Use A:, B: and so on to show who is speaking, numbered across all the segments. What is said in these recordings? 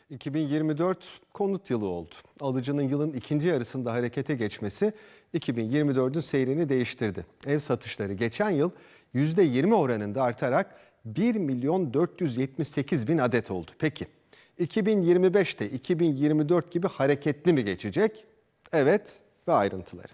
A: 2024 konut yılı oldu. Alıcının yılın ikinci yarısında harekete geçmesi 2024'ün seyrini değiştirdi. Ev satışları geçen yıl %20 oranında artarak 1.478.000 adet oldu. Peki 2025'te 2024 gibi hareketli mi geçecek? Evet ve ayrıntıları.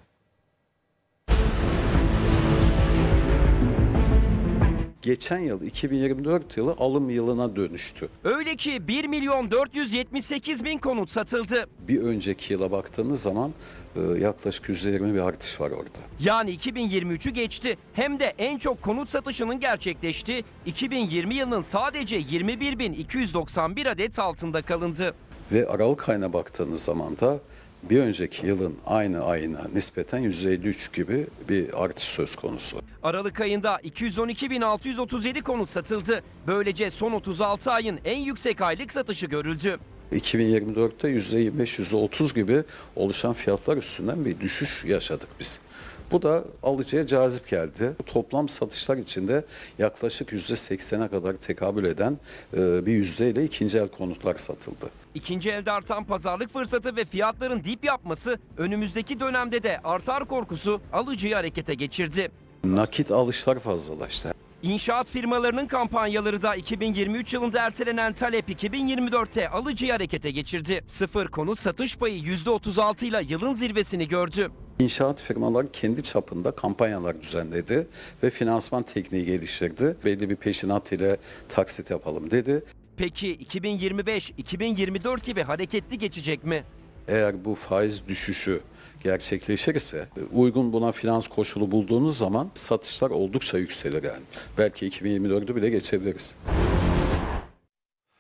B: Geçen yıl 2024 yılı alım yılına dönüştü.
C: Öyle ki 1.478.000 konut satıldı.
B: Bir önceki yıla baktığınız zaman yaklaşık %20 bir artış var orada.
C: Yani 2023'ü geçti. Hem de en çok konut satışının gerçekleştiği 2020 yılının sadece 21.291 adet altında kalındı.
B: Ve Aralık ayına baktığınız zaman da bir önceki yılın aynı ayına nispeten %53 gibi bir artış söz konusu.
C: Aralık ayında 212.637 konut satıldı. Böylece son 36 ayın en yüksek aylık satışı görüldü.
B: 2024'te %25-%30 gibi oluşan fiyatlar üstünden bir düşüş yaşadık biz. Bu da alıcıya cazip geldi. Toplam satışlar içinde yaklaşık %80'e kadar tekabül eden bir yüzdeyle ikinci el konutlar satıldı.
C: İkinci elde artan pazarlık fırsatı ve fiyatların dip yapması önümüzdeki dönemde de artar korkusu alıcıyı harekete geçirdi.
B: Nakit alışlar fazlalaştı.
C: İnşaat firmalarının kampanyaları da 2023 yılında ertelenen talep 2024'te alıcıyı harekete geçirdi. Sıfır konut satış payı %36 ile yılın zirvesini gördü.
B: İnşaat firmaları kendi çapında kampanyalar düzenledi ve finansman tekniği geliştirdi. Belli bir peşinat ile taksit yapalım dedi.
C: Peki 2025-2024 gibi hareketli geçecek mi?
B: Eğer bu faiz düşüşü gerçekleşirse uygun buna finans koşulu bulduğunuz zaman satışlar oldukça yükselir yani. Belki 2024'ü bile geçebiliriz.